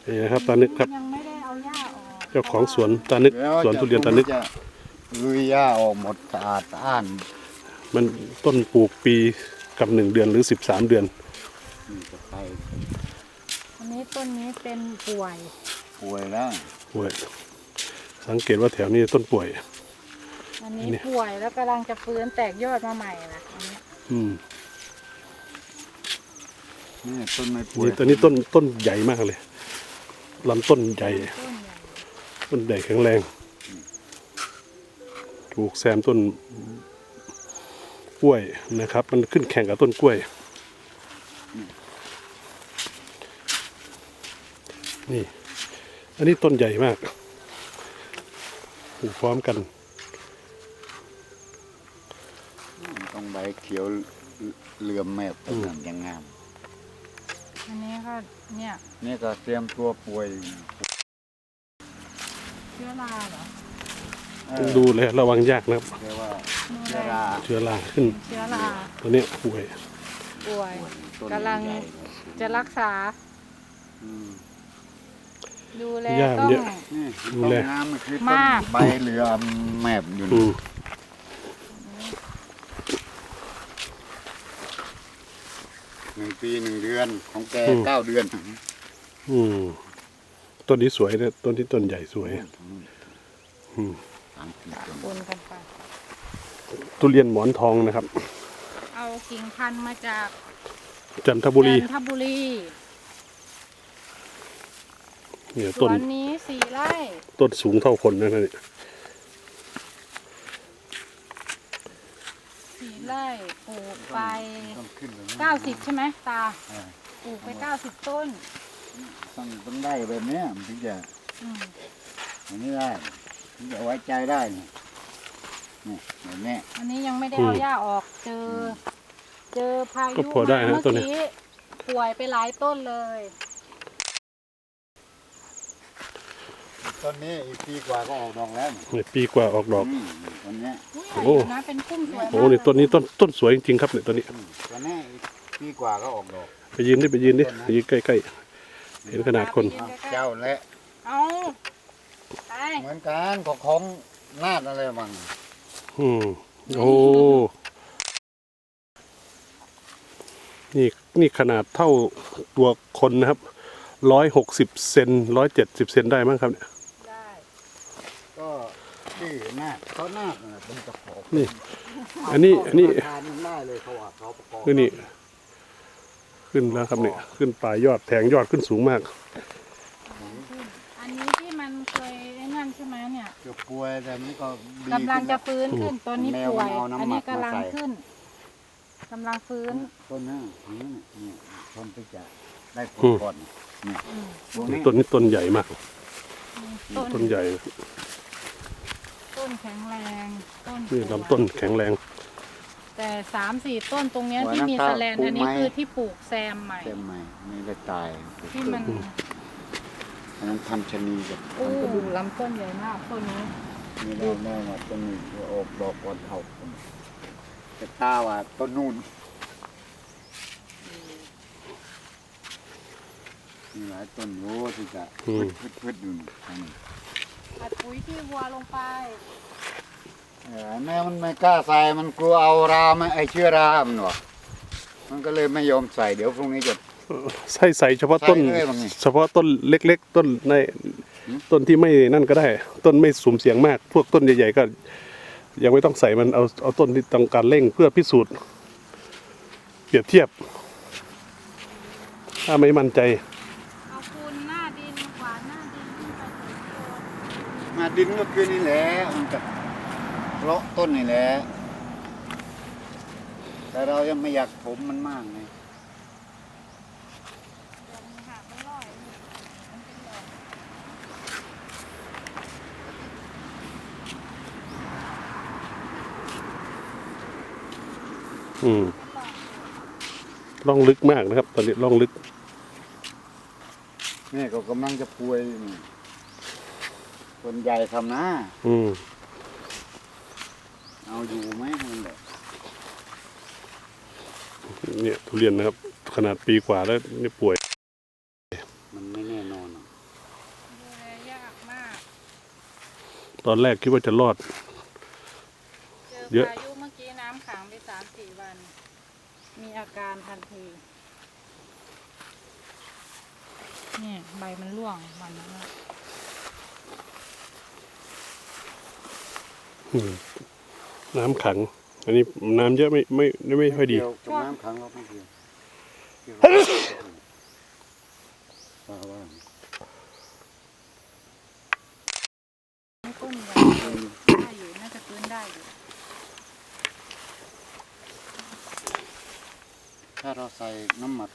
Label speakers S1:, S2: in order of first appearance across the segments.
S1: นี่นะครับตานึกครับ
S2: ยังไม่ได้เอาหญ้าออก
S1: เจ้าของสวนตานึกสวนทุเรียนตานึก
S3: ลุยหญ้าออกหมดสะอาดสะอ้าน
S1: มันต้นปลูกปีกับ1 เดือนหรือ13 เดือน
S3: จะไป
S2: อันนี้ต้นนี้เป็นป่วย
S3: ป่วยแล้ว
S1: ป่วยสังเกตว่าแถวนี้ต้นป่วย
S2: อันนี้ป่วยแล้วกำลังจะฟื้นแตกยอดมาใหม่นะอันนี้
S3: นี่ต้นไม้ป่วย
S1: นี่ตอนนี้ต้นใหญ่มากเลยลำต้นใหญ่
S2: ต้นใหญ่
S1: ต้นใหญ่แข็งแรงถูกแซมต้นกล้วยนะครับ มันขึ้นแข่งกับต้นกล้วยนี่อันนี้ต้นใหญ่มากปลูกพร้อมกัน
S3: ต้องใบเขียวเหลื่อมแมบต้นนั้นยังงาม
S2: อันนี้ก็เนี่ย
S3: นี่ก็เตรียมตัวป่วย
S2: เชื้อราเหรอ
S1: ดูเลยระวังยากนะครับ
S3: เรียกว่า
S2: ดู
S3: เชื้อ
S2: แล
S3: รา
S1: เชื้อราขึ้น
S2: เชื้อรา
S1: ตัวเนี้ยป่วย
S2: ป่วย
S3: ต้น
S2: กำลัง
S3: ใหญ่
S2: จะรักษา
S3: อืม
S2: ดูแล
S1: หญ้า
S2: ต้อง
S1: เยอะ
S3: นี่
S1: ดู
S3: ต้น
S1: แล
S3: น้ำมันคือ
S2: มา
S3: ต้น
S2: ก
S3: ใบเหลือมแมบอยู่
S1: อื
S3: นี่
S1: ม
S3: 1 ปี 1 เดือนของแก9 เดือน
S1: อืมต้นนี้สวยนะต้นที่ต้นใหญ่สวย
S3: 30 ต้น
S2: ปนกันไป
S1: ทุเรียนหมอนทองนะครับ
S2: เอากิ่งพันธุ์มาจาก
S1: จันทบุรี
S2: จันทบุรี
S1: เนี่ย
S2: ส
S1: ต้
S2: วน นนี้4 ไร่
S1: ต้นสูงเท่าคนนะเนี่ย
S2: 4 ไร่ปลูกไป
S3: ต้องขึ้นเลยนะ
S2: 90 ใช่ไหมตา
S3: เออ
S2: ปลูกไป90 ต้น
S3: ต้องได้แบบเนี้ยมันถึงจะ
S2: อืม
S3: อันนี้ได้ถึงจะไว้ใจได้เนี่ยนี่แบบนี้
S2: อันนี้ยังไม่ได้เอาหญ้าออก เจอพายุ
S1: ก็พอได้นะ
S2: มา
S1: ต้น
S2: เมื่อ
S1: นี้
S2: กี้ป่วยไปหลายต้นเลย
S3: ต้นนี้อีกปีกว่าก็ออกดอกแล้วนี่
S1: เนี่ยปีกว่าออกดอก
S3: ต้นเนี้ย
S2: อุ้ย
S1: โอ้
S2: ใหญ่อยู่นะเป็นพุ่มสวยมาก
S1: โอ้นี่ต้นนี้ต้นสวยจริงๆครับเนี่ยต้นนี้
S3: ต้นนี้อีกปีกว่าก็ออกดอก
S1: ไปยืนดิไปยืนใกล้ๆเห็นขนาดคน
S3: เจ้าและ
S2: เอาไป
S3: เหมือนกันของนาดอะไรบ้าง
S1: อืมโอ้นี่ขนาดเท่าตัวคนนะครับ160 เซน170 เซนได้มั้งครับเนี่ย
S2: ได้
S3: ก็ที่นาดเขานาดนั่นแหละเป็นกระเพาะ
S1: นี่ อันนี้
S3: ทานมันได้เลยเขาว่าเขาประกอบ
S1: คือนี่ขึ้นแล้วครับเนี่ยขึ้นปลายยอดแทงยอดขึ้นสูงมาก
S2: อันนี้ที่มันเคยไอ้นั่นใช่ไหมเนี่ย
S3: เกือบป่วยแต่มันก็ดี
S2: กำลังจะ
S3: ขึ้น
S2: ฟื้นขึ้นตัวนี้
S3: แมว
S2: ป่วย
S3: มันเอาน้ำ
S2: อันนี้
S3: หมัก
S2: กำลัง
S3: มาใส่
S2: ขึ้นกำลังฟื้น
S3: ต้นนี้นี่ต้นที่จะได้ผ
S1: อื
S3: ล
S1: ม
S3: ก่อนนี่ตรงนี้
S1: ต้นนี้ต้นใหญ่มาก
S2: ต้น
S1: ต้นใหญ่
S2: ต้นแข็งแรงต้น
S1: นี่ลำต้นแข็งแรง
S2: แต่3-4 ต้นตรงเนี้ยที่มีแสแลนอันนี้คือที่ปลูกแซมใหม่
S3: เต็มใหม่ไม่ได้ตาย
S2: ที่มัน
S3: อันนั้นทำชะนีกับ
S2: อู้
S3: ทำกระดูก
S2: ลำต้นใหญ่มากต้นนี้
S3: มีแนวมาต้นนี้ออกดอกก่อนเขาแต่ตาว่าต้นนู่นมีหลายต้นโอ้ที่จะพืดอยู่ทางนี้
S2: อัดปุ๋ยที่วัวลงไป
S3: แม่มันไม่กล้าใส่มันกลัวเอารามาไอเชื้อรามันวะมันก็เลยไม่ยอมใส่เดี๋ยวพรุ่งนี้จะ
S1: ใส่เฉพาะต้น
S3: ใส่เลยบางนี่
S1: เฉพาะต้นเล็กๆ ต้นใน
S3: หืม
S1: ต้นที่ไม่นั่นก็ได้ ต้นไม่สุ่มเสียงมาก พวกต้นใหญ่ๆก็ ยังไม่ต้องใส่มันเอาต้นที่ต้องการเร่งเพื่อพิสูจน์เปรียบเทียบ ถ้าไม่มั่นใจ
S2: เอาปูนหน้าดินกวาดหน้าดินขึ้นไปถึงโคน
S3: มาดินก็คือนี่แหละมันกับเลาะต้นนี่แหละแต่เรายังไม่อยากผมมันมากไง
S2: หักไม่ร่อยมันเป็นดอก
S1: อืมล่องลึกมากนะครับ ตอนนี้ล่องลึก
S3: นี่ก็กำลังจะป่วยอยู่นี่คนใหญ่ทำนะ
S1: อืม
S3: เอาอยู่ไหมมันแบบ
S1: เนี่ยทุเรียนนะครับ ขนาดปีกว่าแล้วนี่ป่วย
S3: มันไม่แน่นอนอะ
S1: ตอนแรกคิดว่าจะรอด
S2: เจอ
S1: เยอะ
S2: พายุเมื่อกี้น้ำขังไป3-4 วัน มีอาการทันทีเนี่ยใบมันร่วงวันนั้นอะ
S1: น้ำขัง อันนี้น้ำเยอะไม่ค่อยดี
S3: เกี่ยวกับน้ำขังเราไม่เกี่ยวว่า
S2: ไม่ต้นใหญ่ได้อยู่น่าจะฟื้นได้อยู่
S3: ถ้าเราใส่น้ำหมัก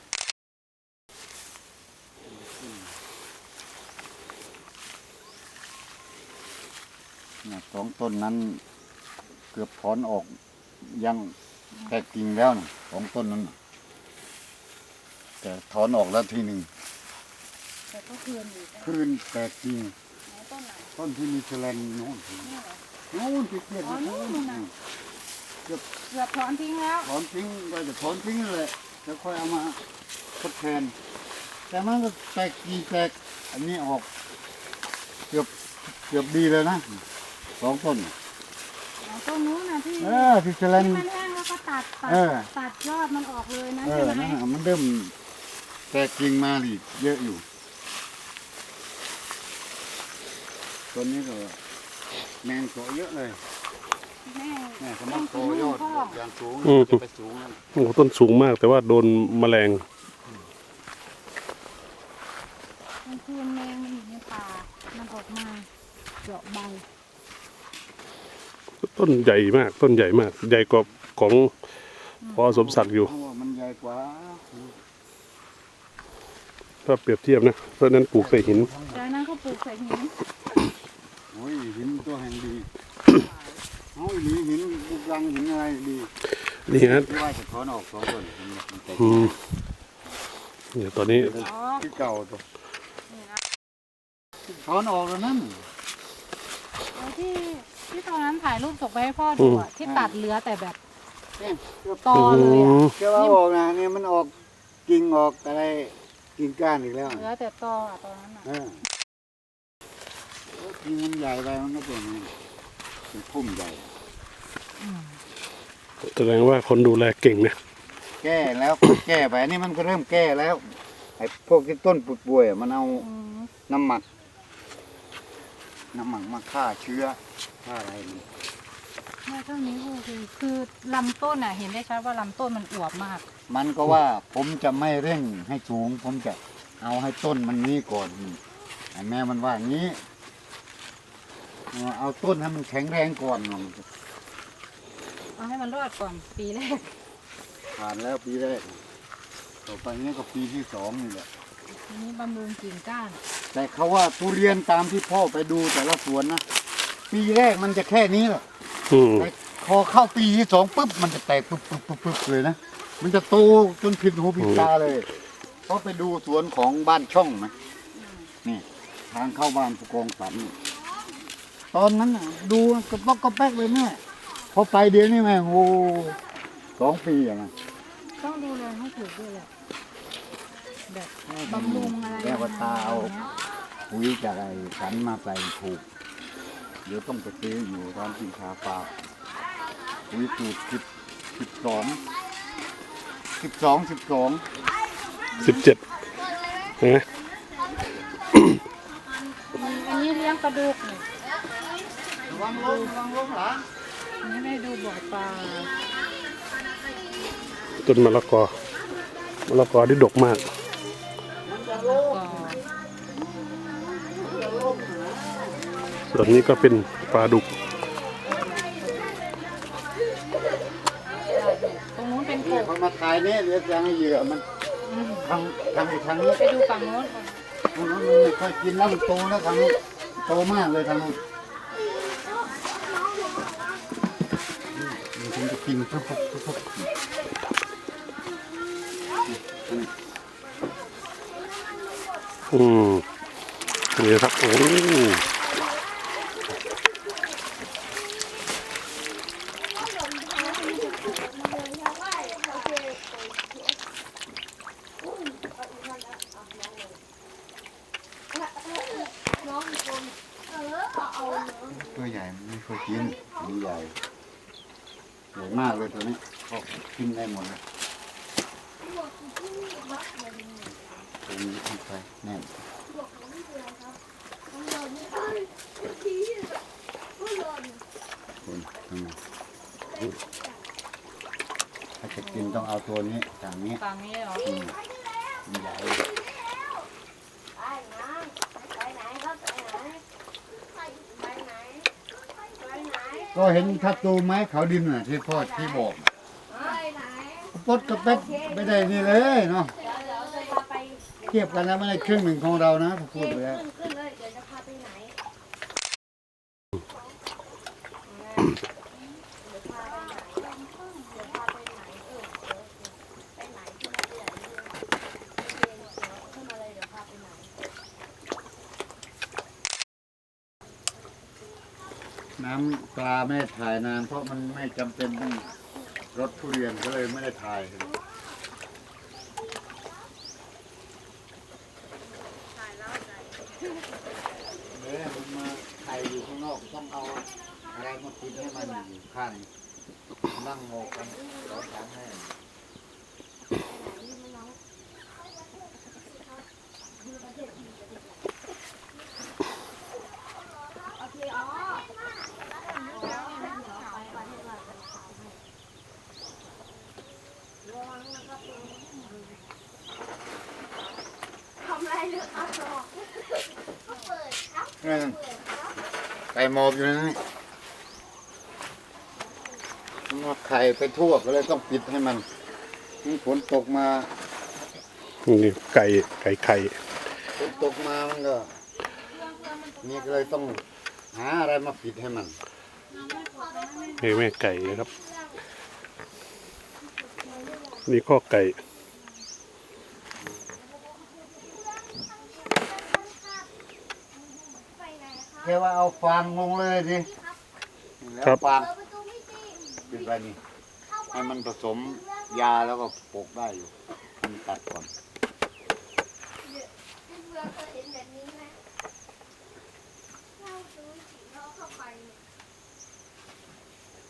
S3: สองต้นนั้นเกือบถอนออกยังแตกกิ่งแล้วนะสองต้นนั้นน่ะแต่ถอนออกแล้วทีหนึ่ง
S2: แต่ก็คืนอยู่ใช่ไหม
S3: คลื่นแตกกิ่ง
S2: ไหนต้นไหน
S3: ต้นที่มีแฉลงโน่น
S2: นี่เหรอ
S3: โน่นที่เกียด
S2: อ๋อนู่นน่ะ
S3: เกือบ
S2: เกือบถอนทิ้งแล้ว
S3: ถอนทิ้งก็จะถอนทิ้งเลยแล้วค่อยเอามาทดแทน แต่มันก็แตกกิ่งแตกอันนี้ออกเกือบดีเลยนะสองต้น
S2: อ๋อต้นนู้นนะที่
S3: ที่แฉลง
S2: ที่มันแห้งแล้วก็ตัด
S3: เออ
S2: ตัดยอดมันออกเลยนะใช่ไหม
S3: นั่นน่ะมันเริ่มแตกกิ่งมาดิเยอะอยู่ต้นนี้ก็แมงโตเยอะเลย
S2: แม่
S3: แม่สมัครโตยอดอย่างสูงจะไปสูงนั่น
S1: โอ้โหต้นสูงมากแต่ว่าโดนแมลง
S2: กลางคืนแมงมันอยู่ในป่ามันออกมาเจาะใบ
S1: ต้นใหญ่มาก ต้นใหญ่มาก ใหญ่กว่าของพอสมศักดิ์อยู่
S3: เพราะว่ามันใหญ่กว่า
S1: ถ้าเปรียบเทียบนะเพราะฉะนั้นปลูกใส่หิน
S2: จากนั้นก็ปลูกใส่หิน
S3: โอ้ยหินตัวแห่งดีเอาหินลูกรังหินอะไรดี
S1: นี่ฮะ
S3: ที่ว่าจะถอนออกสองต้นมันแตก
S1: เนี่ยตอนนี้
S2: อ๋อ
S3: ที่เก่าตัว
S2: นี่นะ
S3: ถอนออกแล้วนั่น
S2: แล้วที่ตอนนั้นถ่ายรูปส่งไปให้พ่อดูอะที่ตัดเหลือแต่แบบ
S3: เนี่ยเกือบ
S2: ตอเลยอะ
S3: เชื่อว่าออกนะเนี่ยมันออกกิ่งออกอะไรกิ่งก้านอีกแล้ว
S2: เหลือแต่ตออะตอนนั้นอะ
S3: กิ่งมันใหญ่ไปมันก็เป็นอย่างนี้เป็นพุ่มใหญ่
S1: แสดงว่าคนดูแลเก่งนะ
S3: แก้แล้วก็แก้ไปอันนี้มันก็เริ่มแก้แล้วไอ้พวกที่ต้นปุดป่วยอะมันเอา
S2: อืม
S3: น้ำหมักมาฆ่าเชื้อฆ่าอะไรมัน
S2: แม่ต้นนี้คือลำต้นอะเห็นได้ชัดว่าลำต้นมันอวบมาก
S3: มันก็ว่าผมจะไม่เร่งให้สูง ผมจะเอาให้ต้นมันนี้ก่อนไอ้แม่มันว่างี้เอาต้นให้มันแข็งแรงก่อน
S2: เอาให้มันรอดก่อนปีแรก
S3: ผ่านแล้วปีแรกต่อไปนี้ก็ปีที่สองนี่แหละ
S2: ทีนี้บำรุงกิ่งก้าน
S3: แต่เขาว่าทุเรียนตามที่พ่อไปดูแต่ละสวนนะปีแรกมันจะแค่นี้แหละ
S1: อืม
S3: แต่พอเข้าปีที่สองปุ๊บมันจะแตกปุ๊บเลยนะมันจะโตจนผิดหูผิดตาเลยเพราะไปดูสวนของบ้านช่องไหมนี่ทางเข้าบ้านผู้กองสันนี่ตอนนั้นน่ะดูกระป๊อกกระแป๊กเลยแม่พอไปเดี๋ยวนี้แม่งโอ้2 ปีอะนะ
S2: ต้องดูแลให้ถูกด้วยแหละแบบบำรุงอะไร
S3: แล้วก็ตาเอา
S2: ย่งเงี้ย
S3: ปุ๋ยจากไอ้สันมาใส่ถูกเดี๋ยวต้องไปซื้ออยู่ร้านกินชาปลาปุ๋ยสูตร12
S1: 17นะ
S2: อันนี้เลี้ยงปลาดุกนี่
S3: ระวังลงหลัง
S2: อันนี้ไม่ดูบ่อปลา
S1: ต้นมะละกอที่ดกมาก
S2: ก็
S1: ส่วนนี้ก็เป็นปลาดุก
S2: ตรงนู้นเป็นกบ
S3: เขามาถ่ายเนี่ยเดี๋ยวจะให้เหยื่อมัน
S2: อืม
S3: ทางนี้
S2: ไปดูฝั่งโน้นก่อน
S3: ทางนู้นมันไม่ค่อยกินแล้วมันโตแล้วทางนู้นโตมากเลยทางนู้นมันถึงจะกินปุ๊บ
S1: นี่ครับโอ้
S3: ตัวใหญ่มันไม่เคยกินมันใหญ่ใหญ่มากเลยตัวนี้ก็กินได้หมดเลยตัวนี้ที่ไปแน่นคุณทำไมถ้าจะกินต้องเอาตัวนี้อย่างนี้
S2: ฝั่งนี้เหรอ
S3: มันใหญ่ก็เห็นทับตูไม้ขาวดินน่ะที่พ่อที่บอกปดกับเป็ดไม่ได้นี่เลยเนาะเทียบกันแล้วไม่ได้ครึ่งหนึ่งของเรานะพูดไปแล้ว
S4: ขึ้นเลยเดี๋ยวจะพาไปไหน
S3: น้ำปลาไม่ได้ถ่ายนานเพราะมันไม่จำเป็นต้องรถทุเรียนก็เลยไม่ได้ถ่ายเนี่ยมันมาถ่ายอยู่ข้างนอกต้องเอาอะไรมาปิดให้มันอยู่ข้างนั่งโมกันสองสามแห่งไก่หมอบอยู่นั่นนี่มาไข่ไปทั่วก็เลยต้องปิดให้มันฝนตกมา
S1: นี่ไก่ไข่
S3: ฝนตกมามันก็นี่ก็เลยต้องหาอะไรมาปิดให้มัน
S1: ให้แม่ไก่นะครับ นี่ข้อไก่
S3: แค่ว่าเอาฟางลงเลยสิแล้วฟางปิดไว้นี่ให้มันผสมยาแล้วก็ปลูกได้อยู่มันตัดก่อน